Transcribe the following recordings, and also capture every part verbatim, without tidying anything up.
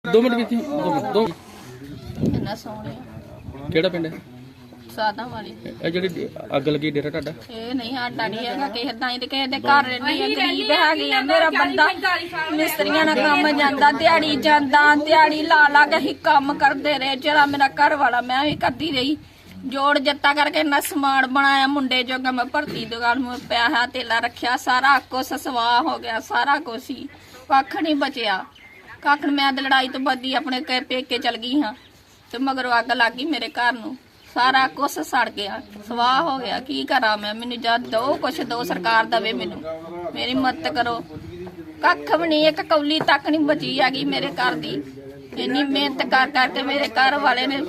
दो मिनट बीती दो मिनट दो ਕਿੰਨਾ ਸੋਹਣੇ ਕਿਹੜਾ ਪਿੰਡ ਹੈ ਸਾਦਾ ਵਾਲੀ ਇਹ ਜਿਹੜੀ ਅੱਗ ਲੱਗੀ ਡੇਰਾ ਤੁਹਾਡਾ ਇਹ ਨਹੀਂ ਸਾਡਾ ਨਹੀਂ ਹੈਗਾ ਕਿਸੇ ਦਾ ਹੀ ਤੇ ਕਿਸੇ ਦੇ ਘਰ ਨਹੀਂ ਹੈ, ਗਰੀਬ ਹੈਗੇ ਆ। ਮੇਰਾ ਬੰਦਾ ਮਿਸਤਰੀਆਂ ਨਾਲ ਕੰਮ ਜਾਂਦਾ, ਦਿਹਾੜੀ ਜਾਂਦਾ, ਦਿਹਾੜੀ ਲਾ ਲਾ ਕੇ ਹੀ ਕੰਮ ਕਰਦੇ ਰਹੇ। ਜਿਹੜਾ ਮੇਰਾ ਘਰ ਵਾਲਾ ਮੈਂ ਵੀ ਕਰਦੀ ਰਹੀ, ਜੋੜ ਜੱਤਾ ਕਰਕੇ ਇੰਨਾ ਸਮਾਨ ਬਣਾਇਆ ਮੁੰਡੇ ਜੋਗਾ। ਮੈਂ ਭਰਤੀ ਦੁਕਾਨ ਨੂੰ ਪਿਆਹਾ ਤੇਲਾ ਰੱਖਿਆ, ਸਾਰਾ ਕੁਛ ਸਵਾਹ ਹੋ ਗਿਆ, ਸਾਰਾ ਕੁਛ ਹੀ ਕੱਖ ਨਹੀਂ ਬਚਿਆ। ਕੱਖ ਮੈਂ ਤੇ ਲੜਾਈ ਤੋਂ ਬਾਅਦ ਆਪਣੇ ਘਰ ਪੇਕੇ ਚਲ ਗਈ ਹਾਂ ਤੇ ਮਗਰੋਂ ਅੱਗ ਲੱਗ ਗਈ ਮੇਰੇ ਘਰ ਨੂੰ, ਸਾਰਾ ਕੁਛ ਸੜ ਗਿਆ, ਸਵਾਹ ਹੋ ਗਿਆ। ਕੀ ਕਰਾਂ ਮੈਂ? ਮੈਨੂੰ ਜਦ ਦੋ ਕੁਛ ਦੋ ਸਰਕਾਰ ਦਵੇ, ਮੈਨੂੰ ਮੇਰੀ ਮਦਦ ਕਰੋ। ਕੱਖ ਵੀ ਨਹੀਂ, ਇੱਕ ਕੌਲੀ ਤੱਕ ਨਹੀਂ ਬਚੀ ਹੈਗੀ ਮੇਰੇ ਘਰ ਦੀ। ਇੰਨੀ ਮਿਹਨਤ ਕਰ ਕਰਕੇ ਮੇਰੇ ਘਰ ਵਾਲੇ ਨੇ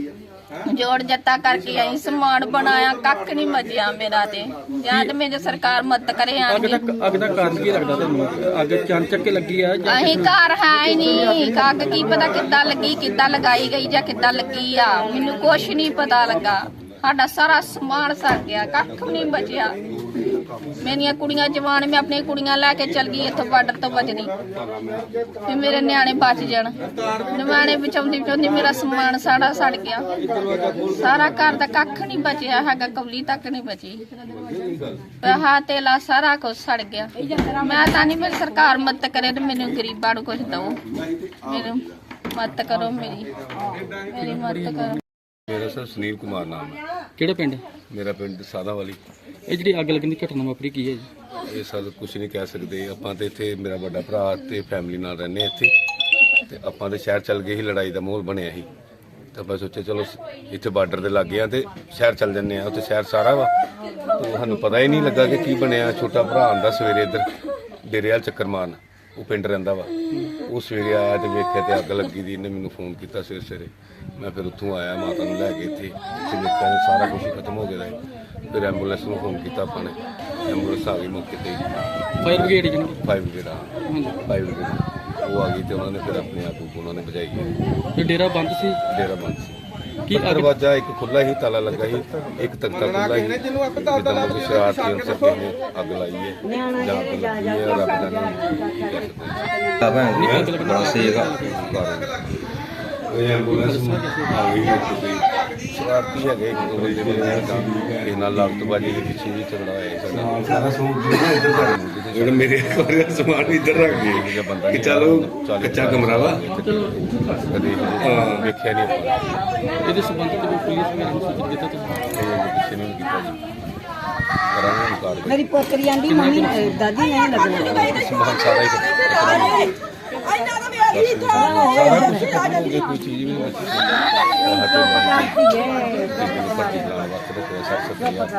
ਜੋੜ ਜੱਤਾ ਕਰਕੇ ਆਈ, ਸਮਾਨ ਬਣਾਇਆ, ਕੱਖ ਨਹੀਂ ਬਚਿਆ ਮੇਰਾ। ਤੇ ਜਾਂ ਤੇ ਮੇਰੇ ਸਰਕਾਰ ਮਦਦ ਕਰੇ। ਅੱਗ ਦਾ ਅੱਗ ਦਾ ਕਾਰਨ ਕੀ ਲੱਗਦਾ ਤੁਹਾਨੂੰ? ਅੱਗ ਚਾਨਚੱਕ ਕੇ ਲੱਗੀ ਆ ਜਾਂ ਅਸੀਂ ਘਰ ਹੈ ਹੀ ਨਹੀਂ, ਅੱਗ ਕੀ ਪਤਾ ਕਿੱਦਾਂ ਲੱਗੀ, ਕਿੱਦਾਂ ਲਗਾਈ ਗਈ ਜਾਂ ਕਿੱਦਾਂ ਲੱਗੀ ਆ, ਮੈਨੂੰ ਕੁਛ ਨਹੀਂ ਪਤਾ ਲੱਗਾ। ਸਾਡਾ ਸਾਰਾ ਸਮਾਨ ਸੜ ਗਿਆ, ਕੱਖ ਵੀ ਨਹੀਂ ਬਚਿਆ। ਮੇਰੀਆਂ ਕੁੜੀਆਂ ਜਵਾਨ, ਮੈਂ ਆਪਣੀਆਂ ਕੁੜੀਆਂ ਲੈ ਕੇ ਚਲ ਗਈ ਇੱਥੋਂ ਬਾਰਡਰ ਤੋਂ ਬਚਦੀ ਤੇ ਮੇਰੇ ਨਿਆਣੇ ਬਚ ਜਾਣ। ਨਿਆਣੇ ਬਚਾਉਂਦੀ ਬਚਾਉਂਦੀ ਮੇਰਾ ਸਮਾਨ ਸਾੜਾ ਸੜ ਗਿਆ, ਸਾਰਾ ਘਰ ਦਾ ਕੱਖ ਨਹੀਂ ਬਚਿਆ ਹੈਗਾ, ਕੌਲੀ ਤੱਕ ਨਹੀਂ ਬਚੀ। ਪੈਸਾ ਤੇਲਾ ਸਾਰਾ ਕੁਝ ਸੜ ਗਿਆ। ਮੈਂ ਤਾਂ ਨਹੀਂ, ਮੇਰੀ ਸਰਕਾਰ ਮਦਦ ਕਰੇ ਤੇ ਮੈਨੂੰ ਗਰੀਬਾਂ ਨੂੰ ਕੁਝ ਦਓ, ਮੈਨੂੰ ਮਦਦ ਕਰੋ, ਮੇਰੀ ਮੇਰੀ ਮਦਦ ਕਰੋ। मेरा सर सुनील कुमार नाम है। ਕਿਹੜਾ ਪਿੰਡ? मेरा पिंड सादा वाली। ਇਹ ਜਿਹੜੀ ਅੱਗ ਲੱਗਣ ਦੀ ਘਟਨਾ ਵਾਪਰੀ ਕੀ ਹੈ ਜੀ? ਇਹ ਸਰ ਕੁਝ ਨਹੀਂ ਕਹਿ ਸਕਦੇ ਆਪਾਂ ਤੇ ਇੱਥੇ ਮੇਰਾ ਵੱਡਾ ਭਰਾ ਤੇ ਫੈਮਿਲੀ ਨਾਲ ਰਹਿੰਦੇ ਹਾਂ ਇੱਥੇ ਤੇ ਆਪਾਂ ਤੇ ਸ਼ਹਿਰ ਚੱਲ ਗਏ ਸੀ, ਲੜਾਈ ਦਾ ਮਾਹੌਲ ਬਣਿਆ ਸੀ ਤਾਂ ਆਪਾਂ ਸੋਚਿਆ ਚਲੋ ਇੱਥੇ ਬਾਰਡਰ ਦੇ ਲੱਗੇ ਆ ਤੇ ਸ਼ਹਿਰ ਚੱਲ ਜੰਨੇ ਆ। ਉੱਥੇ ਸ਼ਹਿਰ ਸਾਰਾ ਵਾ ਤੇ ਸਾਨੂੰ ਪਤਾ ਹੀ ਨਹੀਂ ਲੱਗਾ ਕਿ ਕੀ ਬਣਿਆ। ਛੋਟਾ ਭਰਾ ਆਂਦਾ ਸਵੇਰੇ ਇੱਧਰ ਡੇਰੇ ਵਾਲ ਚੱਕਰ ਮਾਰਨ, ਉਹ ਪਿੰਡ ਰਹਿੰਦਾ ਵਾ। ਉਹ ਸਵੇਰੇ ਆਇਆ ਤੇ ਵੇਖਿਆ ਤੇ ਅੱਗ ਲੱਗੀ ਦੀ। ਇਹਨੇ ਮੈਨੂੰ ਫੋਨ ਕੀਤਾ ਸਵੇਰੇ ਸਵੇਰੇ। ਮੈਂ ਫਿਰ ਉੱਥੋਂ ਆਇਆ, ਮਾਤਾ ਨੂੰ ਲੈ ਕੇ ਇੱਥੇ ਇੱਥੇ ਵੇਖਿਆ ਤੇ ਸਾਰਾ ਕੁਝ ਖਤਮ ਹੋ ਗਿਆ। ਫਿਰ ਐਂਬੂਲੈਂਸ ਨੂੰ ਫੋਨ ਕੀਤਾ ਆਪਾਂ ਨੇ, ਐਂਬੂਲੈਂਸ ਆ ਗਈ ਮੌਕੇ ਤੇ। ਫਾਇਰ ਬ੍ਰਿਗੇਡ ਜੀ? ਫਾਈਵ ਬ੍ਰਿਗੇਡ ਆ, ਫਾਈਵ ਬ੍ਰਿਗੇਡ ਉਹ ਆ ਗਈ ਤੇ ਉਹਨਾਂ ਨੇ ਫਿਰ ਆਪਣੇ ਆਪ ਨੂੰ ਉਹਨਾਂ ਨੇ ਬਚਾਈ ਹੈ। ਇਹ ਡੇਰਾ ਬੰਦ ਸੀ? ਡੇਰਾ ਬੰਦ ਸੀ। ਕੀ ਅੱਗ ਦਰਵਾਜ਼ਾ ਇੱਕ ਖੁੱਲਾ ਹੀ, ਤਾਲਾ ਲੱਗਾ ਸੀ, ਇੱਕ ਤਖਤਾ ਖੁੱਲਾ ਹੀ। ਜਿੱਦਾਂ ਕੋਈ ਸ਼ਰਾਰਤੀ ਅਨਸਰ ਕਿਸੇ ਨੇ ਅੱਗ ਲਾਈ ਹੈ ਜਾਂ ਅੱਗ ਲੱਗੀ ਹੈ, ਰੱਬ ਜਾਣੇ ਕੀ ਕਰ ਸਕਦੇ। ਇਹ ਐਂਬੂਲੈਂਸ ਆ ਗਈ ਤੇ ਸ਼ਰਾਰਤੀ ਹੈਗੇ ਇੱਕ ਦੋ ਬੰਦੇ ਨੇ ਇਹ ਨਾਲ ਲਾਗਤਬਾਜੀ ਦੇ ਪਿੱਛੇ ਵੀ ਝਗੜਾ ਹੋਇਆ ਸਾਡਾ। ਸਾਰਾ ਸਮਾਨ ਮੇਰੇ ਕੋਲ ਸਮਾਨ ਇੱਧਰ ਰੱਖ ਗਏ ਬੰਦਾ ਕਿ ਚਲੋ ਕੱਚਾ ਕਮਰਾ ਵਾ, ਕਦੇ ਵੇਖਿਆ ਨਹੀਂ ਆਪਾਂ। ਇਹਦੇ ਸੰਬੰਧ ਵਿੱਚ ਕੋਈ ਪੁਲਿਸ ਵਗੈਰਾ ਨੂੰ ਸੂਚਿਤ ਕੀਤਾ ਤੁਸੀਂ? ਕਿਸੇ ਨੇ ਕੀਤਾ ਜੀ, ਕਰਾਂਗੇ ਕਾਰਵਾਈ। ਮੇਰੀ ਪੋਤਰੀ ਆਂਦੀ ਮੰਮੀ ਦਾਦੀ ਨਹੀਂ ਲੱਗਣਾ ਸਮਾਨ ਸਾਰਾ ਹੀ ਸਾਰਾ ਕੁਝ ਕੋਈ ਚੀਜ਼ ਵੀ ਨਹੀਂ ਬਚੀ। ਪੱਟੀ ਲਾਉਣ ਵਾਸਤੇ ਕੋਈ ਸੱਤ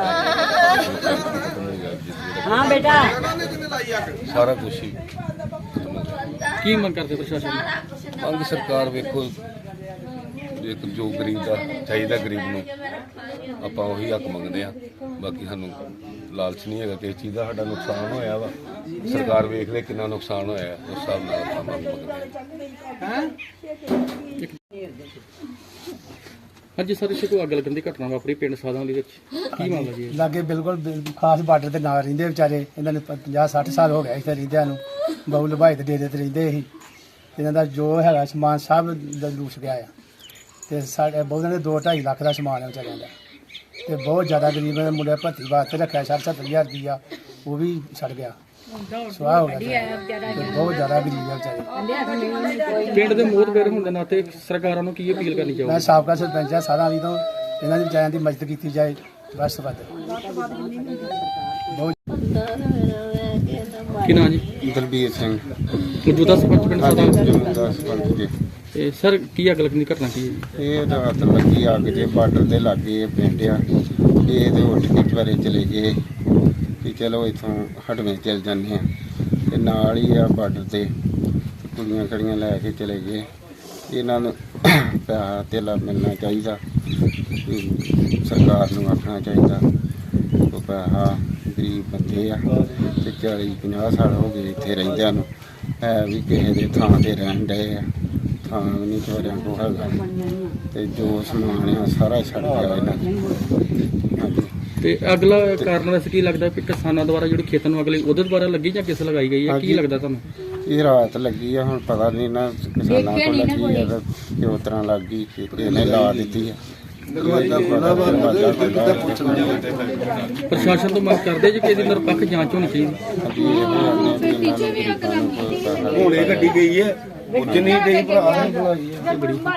ਸੱਤ ਹਾਂ ਬੇਟਾ ਸਾਰਾ ਕੁਝ ਹੀ। ਕੀ ਮੰਗ ਕਰਦੇ ਪ੍ਰਸ਼ਾਸਨ ਨੂੰ? ਮੰਗ ਸਰਕਾਰ ਵੇਖੋ, ਇੱਕ ਜੋ ਗਰੀਬ ਦਾ ਚਾਹੀਦਾ ਗਰੀਬ ਨੂੰ ਆਪਾਂ ਉਹੀ ਹੱਕ ਮੰਗਦੇ ਆ। ਬਾਕੀ ਸਾਨੂੰ ਲਾਲਚ ਨਹੀਂ ਹੈਗਾ ਕਿਸੇ ਚੀਜ਼ ਦਾ। ਸਾਡਾ ਨੁਕਸਾਨ ਹੋਇਆ ਵਾ, ਸਰਕਾਰ ਵੇਖ ਲੈ ਕਿੰਨਾ ਨੁਕਸਾਨ ਹੋਇਆ, ਉਸ ਹਿਸਾਬ ਨਾਲ ਆਪਾਂ ਮੰਗ ਮੰਗਦੇ ਆ। ਹਾਂਜੀ ਸਰ, ਇੱਥੇ ਕੋਈ ਅੱਗ ਲੱਗਣ ਦੀ ਘਟਨਾ ਵਾਪਰੀ ਪਿੰਡ ਸਾਦਾਂ ਦੇ ਵਿੱਚ, ਕੀ ਮਾਮਲਾ ਜੀ? ਲਾਗੇ ਬਿਲਕੁਲ ਬਿਲ- ਖਾਸ ਬਾਰਡਰ ਤੇ ਨਾਲ ਰਹਿੰਦੇ ਵਿਚਾਰੇ। ਇਹਨਾਂ ਨੇ ਪੰਜਾਹ ਸੱਠ ਸਾਲ ਹੋ ਗਏ ਇੱਥੇ ਰਹਿੰਦਿਆਂ ਨੂੰ। ਬਹੁ ਲਭਾਈ ਦੇ ਡੇਰੇ ਤੇ ਰਹਿੰਦੇ ਸੀ। ਇਹਨਾਂ ਦਾ ਜੋ ਹੈਗਾ ਸਮਾਨ ਸਭ ਲੂਸ ਗਿਆ ਆ ਤੇ ਸਾਡੇ ਬਹੁਤਾਂ ਦੇ ਦੋ ਢਾਈ ਲੱਖ ਦਾ ਸਮਾਨ ਹੈ ਵਿਚਾਰਿਆਂ ਦਾ। ਤੇ ਬਹੁਤ ਜ਼ਿਆਦਾ ਗਰੀਬ ਨੇ। ਮੁੰਡੇ ਭਰਤੀ ਵਾਸਤੇ ਰੱਖਿਆ ਸੱਠ ਸੱਤਰ ਹਜ਼ਾਰ ਰੁਪਈਆ, ਉਹ ਵੀ ਸੜ ਗਿਆ, ਸਵਾਹ ਹੋ ਗਿਆ। ਤੇ ਬਹੁਤ ਜ਼ਿਆਦਾ ਗਰੀਬ ਆ ਵਿਚਾਰੇ। ਪਿੰਡ ਦੇ ਮੋਹਤਬਰ ਹੋਣ ਦੇ ਨਾਤੇ ਸਰਕਾਰਾਂ ਨੂੰ ਕੀ ਅਪੀਲ ਕਰਨੀ ਮੈਂ ਚਾਹੋਗੇ? ਸਾਬਕਾ ਸਰਪੰਚ ਆ ਸਾਰਾ ਵਾਲੀ ਤੋਂ, ਇਹਨਾਂ ਦੇ ਵਿਚਾਰਿਆਂ ਦੀ ਮਦਦ ਕੀਤੀ ਜਾਏ ਬਸ ਵੱਧ। ਬਹੁਤ ਕੀ ਨਾਂ ਜੀ? ਦਲਬੀਰ ਸਿੰਘ ਮੌਜੂਦਾ ਸਰਪੰਚ ਪਿੰਡ ਸਾਦਾਂ। ਜੀ। ਤੇ ਸਰ, ਕੀ ਅੱਗ ਲੱਗਣ ਦੀ ਘਟਨਾ ਕੀ ਹੈ? ਇਹ ਰਾਤ ਲੱਗੀ ਅੱਗ ਦੇ ਬਾਰਡਰ ਦੇ ਲਾਗੇ ਪਿੰਡ ਆ। ਇਹ ਤੇ ਉੱਠ ਕੇ ਦੁਆਰੇ ਚਲੇ ਗਏ ਕਿ ਚਲੋ ਇੱਥੋਂ ਹਟਵੇਂ ਚੱਲ ਜਾਂਦੇ ਆ ਤੇ ਨਾਲ ਹੀ ਆ ਬਾਰਡਰ ਤੇ ਕੁੜੀਆਂ ਕੜੀਆਂ ਲੈ ਕੇ ਚਲੇ ਗਏ। ਇਹਨਾਂ ਨੂੰ ਪੈਸਾ ਧੇਲਾ ਮਿਲਣਾ ਚਾਹੀਦਾ, ਸਰਕਾਰ ਨੂੰ ਆਖਣਾ ਚਾਹੀਦਾ। ਉਹ ਪੈਸਾ ਗਰੀਬ ਬੰਦੇ ਆ ਤੇ ਚਾਲੀ ਪੰਜਾਹ ਸਾਲ ਹੋ ਗਏ ਇੱਥੇ ਰਹਿੰਦਿਆਂ ਨੂੰ, ਹੈ ਵੀ ਕਿਸੇ ਦੇ ਥਾਂ ਤੇ ਰਹਿਣ ਡਏ ਆ, ਥਾਂ ਵੀ ਨਹੀਂ ਚੋਰਿਆਂ ਕੋਲ ਹੈਗਾ ਤੇ ਜੋ ਸਮਾਨ ਆ ਸਾਰਾ ਛੱਡ ਗਿਆ ਇਹਨਾਂ ਨੇ। ਹਾਂਜੀ। ਤੇ ਅਗਲਾ ਕਾਰਨ ਵੈਸੇ ਕੀ ਲੱਗਦਾ ਕਿ ਕਿਸਾਨਾਂ ਦੁਆਰਾ ਜਿਹੜੀ ਖੇਤਾਂ ਨੂੰ ਅਗਲੀ ਉਹਦੇ ਦੁਆਰਾ ਲੱਗੀ ਜਾਂ ਕਿਸ ਲਗਾਈ ਗਈ ਹੈ, ਕੀ ਲੱਗਦਾ ਤੁਹਾਨੂੰ? ਇਹ ਰਾਤ ਲੱਗੀ ਆ, ਹੁਣ ਪਤਾ ਨਹੀਂ ਨਾ ਕਿਸਾਨਾਂ ਕੋਲ ਲੱਗੀ ਆ ਤੇ ਕਿਉਂ ਤਰ੍ਹਾਂ ਲੱਗ ਗਈ, ਇਹਨੇ ਲਾ ਦਿੱਤੀ ਆ। ਪ੍ਰਸ਼ਾਸਨ ਤੋਂ ਮੰਗ ਕਰਦੇ ਜੀ ਕਿ ਇਹਦੀ ਨਿਰਪੱਖ ਜਾਂਚ ਹੋਣੀ ਚਾਹੀਦੀ। ਹੁਣ ਇਹ ਗੱਡੀ ਗਈ ਹੈ, ਜਿੰਨੀ ਗਈ ਭਰਾ